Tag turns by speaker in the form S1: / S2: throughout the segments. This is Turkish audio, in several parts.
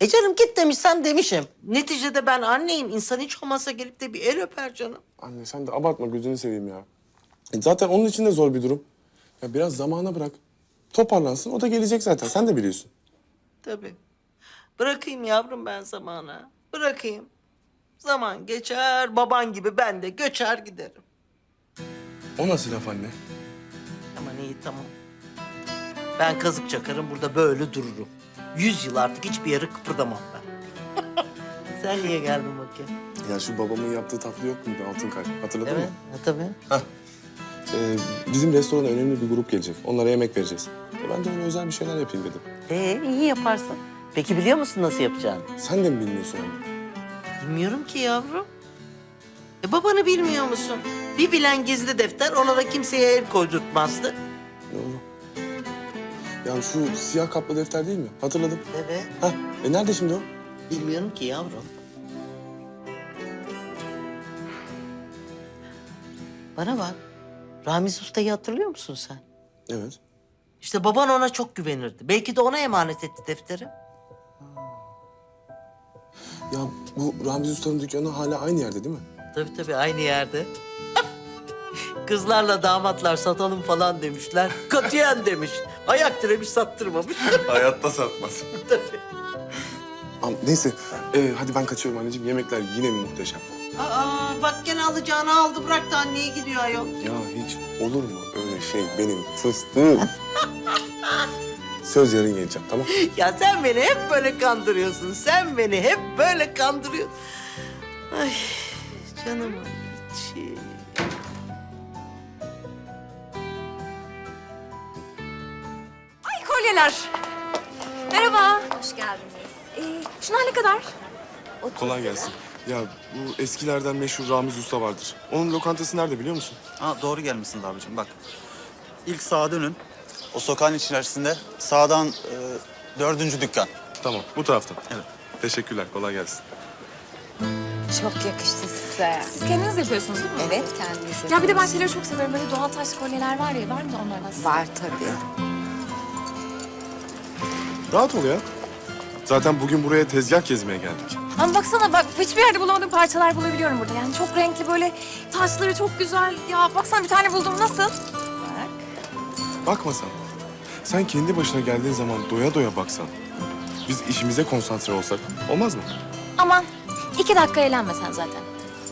S1: Canım git demişsem demişim. Neticede ben anneyim. İnsan hiç olmazsa gelip de bir el öper canım.
S2: Anne sen de abartma gözünü seveyim ya. Zaten onun için de zor bir durum. Ya biraz zamana bırak. Toparlansın o da gelecek zaten sen de biliyorsun.
S1: Tabii. Bırakayım yavrum ben zamana. Bırakayım. Zaman geçer, baban gibi ben de göçer giderim.
S2: O nasıl laf anne?
S1: Aman iyi tamam. Ben kazık çakarım burada böyle dururum. 100 yıl artık hiçbir yere kıpırdamam ben. Sen niye geldin bakayım?
S2: Ya şu babamın yaptığı tatlı yok muydu altın kalp? Hatırladın
S1: Evet,
S2: mı?
S1: tabii.
S2: Bizim restorana önemli bir grup gelecek. Onlara yemek vereceğiz. Ben de öyle özel bir şeyler yapayım dedim.
S1: İyi yaparsın. Peki biliyor musun nasıl yapacağını?
S2: Sen de mi bilmiyorsun anne?
S1: Bilmiyorum ki yavrum. Babanı bilmiyor musun? Bir bilen gizli defter ona da kimseye el koydurtmazdı.
S2: Doğru. Ya şu siyah kaplı defter değil mi? Hatırladım.
S1: Evet.
S2: Nerede şimdi o?
S1: Bilmiyorum ki yavrum. Bana bak. Ramiz Usta'yı hatırlıyor musun sen?
S2: Evet.
S1: İşte baban ona çok güvenirdi. Belki de ona emanet etti defteri.
S2: Ya bu Ramiz Usta'nın dükkanı hala aynı yerde değil mi?
S1: Tabii aynı yerde. Kızlarla damatlar satalım falan demişler. Katiyen demiş. Ayak diremiş sattırmamış.
S2: Hayatta satmaz.
S1: Tabii.
S2: Neyse hadi ben kaçıyorum anneciğim. Yemekler yine mi muhteşem?
S1: Bak gene alacağını aldı bıraktı anneye gidiyor ayol.
S2: Ya hiç olur mu öyle şey benim fıstığım? Söz yarın geleceğim tamam?
S1: Ya sen beni hep böyle kandırıyorsun. Sen beni hep böyle kandırıyorsun. Ay canımın içi.
S3: Ay kolyeler. Merhaba. Hoş geldiniz. Şunlar ne kadar?
S2: Kolay gelsin. Ya bu eskilerden meşhur Ramiz Usta vardır. Onun lokantası nerede biliyor musun?
S4: Ha, doğru gelmişsiniz abicim bak. İlk sağa dönün. O sokağın içerisinde sağdan 4. dükkan.
S2: Tamam bu taraftan.
S4: Evet.
S2: Teşekkürler kolay gelsin.
S5: Çok yakıştı size.
S3: Siz kendiniz yapıyorsunuz değil mi?
S5: Evet, kendisi.
S3: Ya bir de ben şeyleri çok seviyorum. Böyle doğal taş kolyeler var ya. Var mı da onlardan size?
S5: Var tabii.
S2: Rahat ol ya. Zaten bugün buraya tezgah gezmeye geldik.
S3: Ama baksana bak hiçbir yerde bulamadığım parçalar bulabiliyorum burada. Yani çok renkli böyle taşları çok güzel. Ya baksana bir tane buldum nasıl?
S2: Bakma sen. Sen kendi başına geldiğin zaman doya doya baksan. Biz işimize konsantre olsak olmaz mı?
S3: Aman 2 dakika eğlenme sen zaten.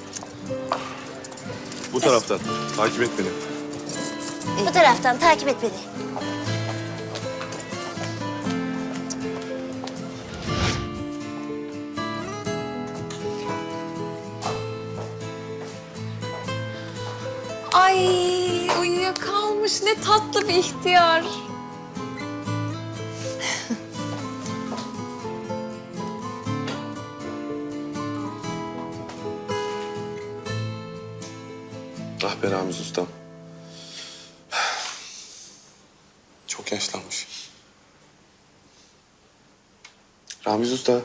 S2: Bu taraftan. Takip et beni.
S6: Bu taraftan takip et beni.
S3: Ay uyuyakalmış ne tatlı bir ihtiyar.
S2: Ah be Ramiz Ustam. Çok yaşlanmış. Ramiz Usta.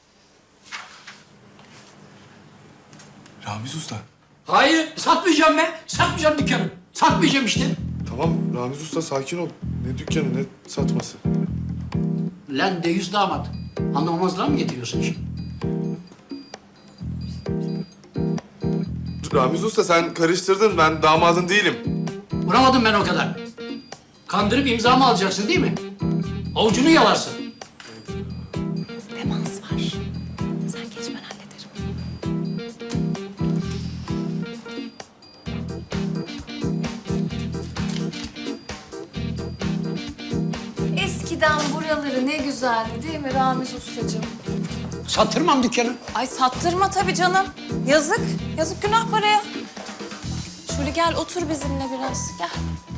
S2: Ramiz Usta.
S7: Hayır, satmayacağım ben. Satmayacağım dükkanı. Satmayacağım işte.
S2: Tamam Ramiz Usta sakin ol. Ne dükkanı ne satması.
S7: Lan deyiz damat. Anlamamazlığa mı getiriyorsun şimdi?
S2: Ramiz Usta sen karıştırdın. Ben damadın değilim.
S7: Vuramadım ben o kadar. Kandırıp imzamı alacaksın değil mi? Avucunu yalarsın.
S3: Demans var. Sen geç ben hallederim. Eskiden buraları ne güzeldi değil mi Ramiz Ustacığım?
S7: Sattırmam dükkanı.
S3: Ay sattırma tabii canım. Yazık. Yazık günah paraya. Şöyle gel otur bizimle biraz. Gel.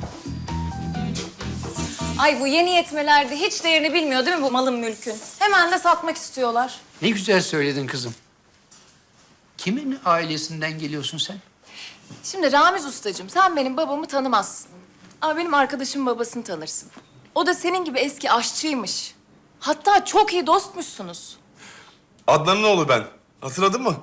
S3: Ay bu yeni yetmelerde hiç değerini bilmiyor değil mi bu malın mülkün? Hemen de satmak istiyorlar.
S7: Ne güzel söyledin kızım. Kimin ailesinden geliyorsun sen?
S3: Şimdi Ramiz Ustacığım sen benim babamı tanımazsın. Ama benim arkadaşımın babasını tanırsın. O da senin gibi eski aşçıymış. Hatta çok iyi dostmuşsunuz.
S2: Adnan'ın oğlu ben. Hatırladın mı?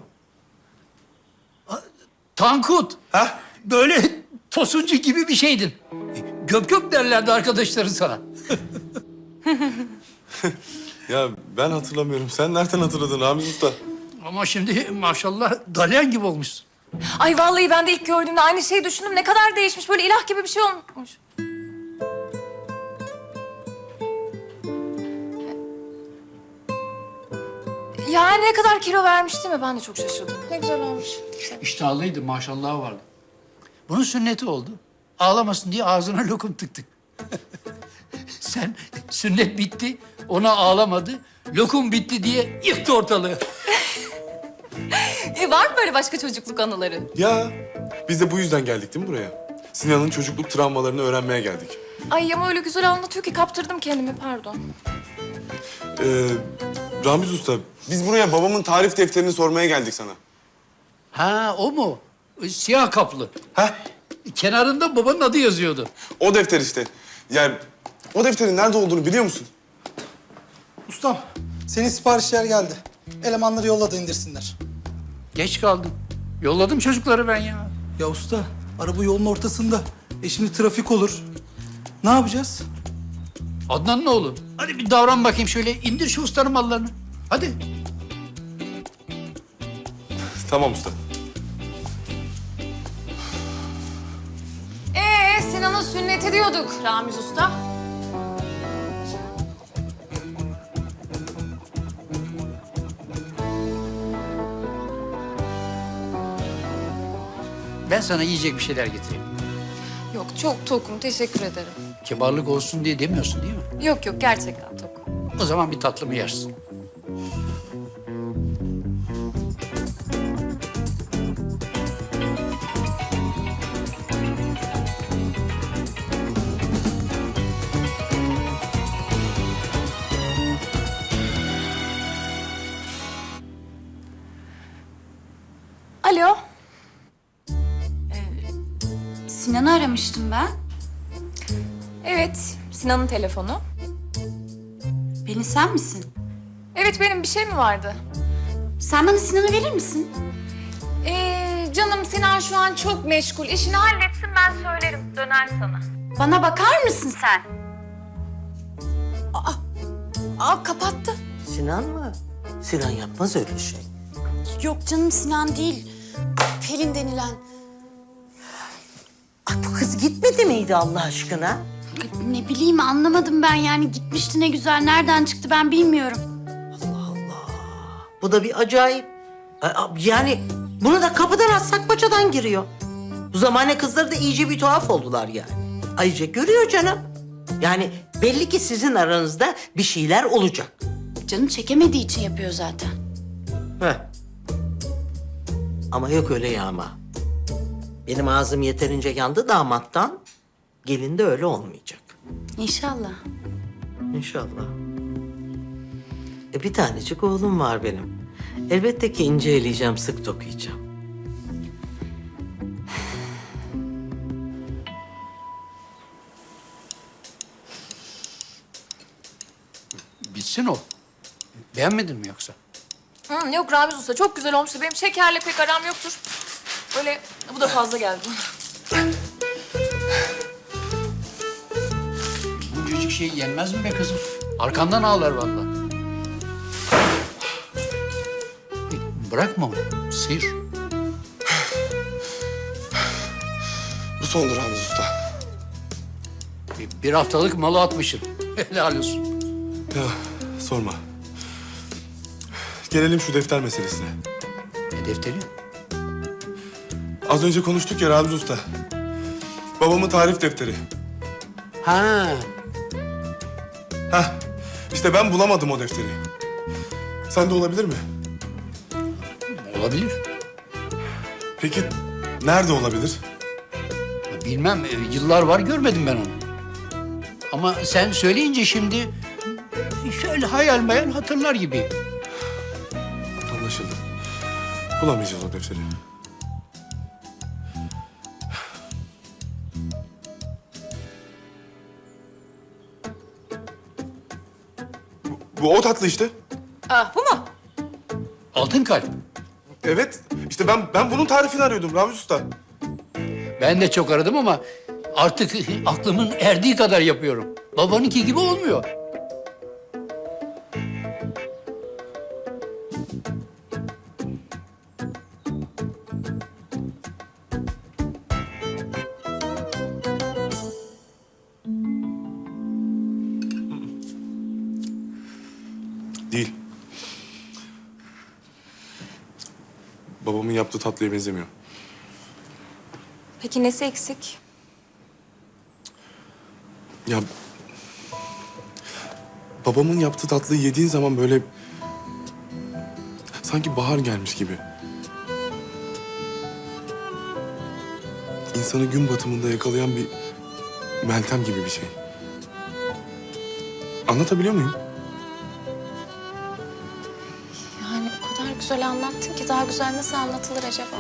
S7: Tankut.
S2: Ha?
S7: Böyle tosuncu gibi bir şeydin. Göp göp derlerdi arkadaşların sana.
S2: Ya ben hatırlamıyorum. Sen nereden hatırladın Ramiz Usta?
S7: Ama şimdi maşallah dalyan gibi olmuşsun.
S3: Ay vallahi ben de ilk gördüğümde aynı şeyi düşündüm. Ne kadar değişmiş. Böyle ilah gibi bir şey olmuş. Yani ne kadar kilo vermiş değil mi? Ben de çok şaşırdım. Ne güzel olmuş.
S7: İştahlıydı, maşallah vardı. Bunun sünneti oldu. Ağlamasın diye ağzına lokum tıktık. Sen sünnet bitti, ona ağlamadı. Lokum bitti diye yıktı ortalığı.
S3: Var mı böyle başka çocukluk anıları?
S2: Ya biz de bu yüzden geldik değil mi buraya? Sinan'ın çocukluk travmalarını öğrenmeye geldik.
S3: Ay ama öyle güzel anlatıyor ki kaptırdım kendimi, pardon.
S2: Ramiz Usta, biz buraya babamın tarif defterini sormaya geldik sana.
S7: Ha, o mu? Siyah kaplı.
S2: Heh,
S7: Kenarında babanın adı yazıyordu.
S2: o defter işte. Yani o defterin nerede olduğunu biliyor musun?
S8: Ustam, senin siparişler geldi. Elemanları yolladı indirsinler.
S7: Geç kaldım. Yolladım çocukları ben ya.
S8: Ya usta, araba yolun ortasında. Şimdi trafik olur. Ne yapacağız?
S7: Adnan'ın oğlu. Hadi bir davran bakayım şöyle. İndir şu ustanın mallarını. Hadi.
S2: Tamam usta.
S3: Sinan'ın sünneti diyorduk Ramiz Usta.
S7: Ben sana yiyecek bir şeyler getireyim.
S3: Yok, çok tokum. Teşekkür ederim.
S7: Kibarlık olsun diye demiyorsun değil mi?
S3: Yok yok, gerçekten tokum.
S7: O zaman bir tatlımı yersin.
S3: Alo.
S5: Sinan'ı aramıştım ben.
S3: Evet, Sinan'ın telefonu.
S5: Pelin sen misin?
S3: Evet, benim bir şey mi vardı?
S5: Sen bana Sinan'ı verir misin?
S3: Canım Sinan şu an çok meşgul. İşini halletsin, ben söylerim. Döner sana.
S5: Bana bakar mısın sen?
S3: Aa, kapattı.
S1: Sinan mı? Sinan yapmaz öyle şey.
S5: Yok canım, Sinan değil. Pelin denilen.
S1: Ay bu kız gitmedi miydi Allah aşkına?
S5: Ne bileyim, anlamadım ben yani. Gitmişti, ne güzel. Nereden çıktı ben bilmiyorum.
S1: Bu da bir acayip. Yani bunu da kapıdan atsak paçadan giriyor. Bu zamane kızları da iyice bir tuhaf oldular yani. Ayrıca görüyor canım. Yani belli ki sizin aranızda bir şeyler olacak.
S5: Canım çekemediği için yapıyor zaten.
S1: Heh. Ama yok öyle yağma. Benim ağzım yeterince yandı damattan. Gelin de öyle olmayacak.
S5: İnşallah.
S1: İnşallah. Bir tanecik oğlum var benim. Elbette ki ince eleyeceğim, sık dokuyacağım.
S7: Bitsin o. Beğenmedin mi yoksa?
S3: Yok Ramiz Usta, çok güzel olmuştu. Benim şekerle pek aram yoktur. Öyle, bu da fazla geldi.
S7: Buncacık şey yenmez mi be kızım? Arkandan ağlar vallahi. Bırakma onu. Sıyır.
S2: Bu sondur Ramiz Usta.
S7: Bir haftalık malı atmışsın. Helal olsun.
S2: Ya sorma. Gelelim şu defter meselesine.
S7: Ne defteri?
S2: Az önce konuştuk ya Ramiz Usta. Babamın tarif defteri.
S7: Ha,
S2: Heh, işte ben bulamadım o defteri. Sende olabilir mi?
S7: olabilir.
S2: Peki nerede olabilir?
S7: Bilmem, yıllar var görmedim ben onu. Ama sen söyleyince şimdi şöyle hayal meyal hatırlar gibiyim.
S2: Anlaşıldı. Bulamayacağız o defteri. Bu o tatlı işte.
S3: Bu mu?
S7: Altın kalp.
S2: Evet. İşte ben bunun tarifini arıyordum Ramiz Usta.
S7: Ben de çok aradım ama artık aklımın erdiği kadar yapıyorum. Babanınki gibi olmuyor.
S2: yaptığı tatlıya benzemiyor.
S3: Peki nesi eksik?
S2: Ya babamın yaptığı tatlıyı yediğin zaman böyle sanki bahar gelmiş gibi. İnsanı gün batımında yakalayan bir Meltem gibi bir şey. Anlatabiliyor muyum?
S3: Yani o kadar güzel anlattın ki daha güzel nasıl anlatılır acaba?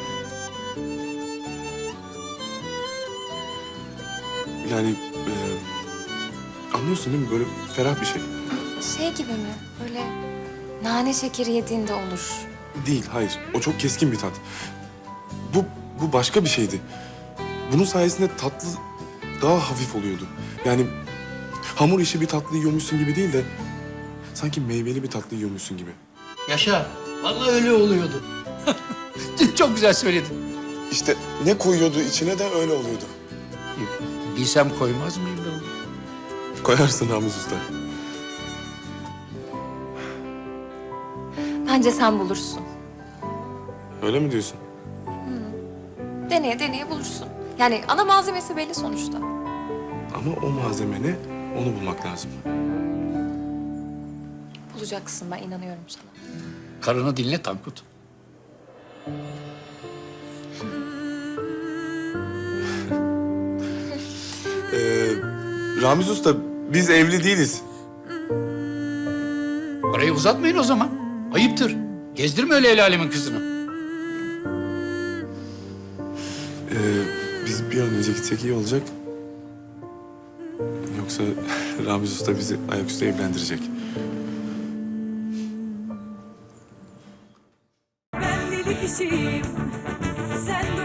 S2: Yani anlıyorsun değil mi? Böyle ferah bir şey.
S3: Şey gibi mi? Böyle nane şekeri yediğinde olur.
S2: Değil, hayır. O çok keskin bir tat. Bu başka bir şeydi. Bunun sayesinde tatlı daha hafif oluyordu. Yani hamur işi bir tatlı yiyormuşsun gibi değil de sanki meyveli bir tatlı yiyormuşsun gibi.
S7: Yaşa. Vallahi öyle oluyordu. Çok güzel söyledin.
S2: İşte ne koyuyordu içine de öyle oluyordu.
S7: Bilsem koymaz mıyım ben onu?
S2: Koyarsın Ramiz Usta.
S3: Bence sen bulursun.
S2: Öyle mi diyorsun?
S3: Deneye deneye bulursun. Yani ana malzemesi belli sonuçta.
S2: Ama o malzeme ne? Onu bulmak lazım.
S3: Bulacaksın, ben inanıyorum sana.
S7: Karını dinle Tankut.
S2: Ramiz Usta, biz evli değiliz.
S7: Parayı uzatmayın o zaman. Ayıptır. Gezdirme öyle el alemin kızını.
S2: Biz bir an önce gitsek iyi olacak. Yoksa Ramiz Usta bizi ayaküstü evlendirecek.
S9: Ben deli kişiyim, sen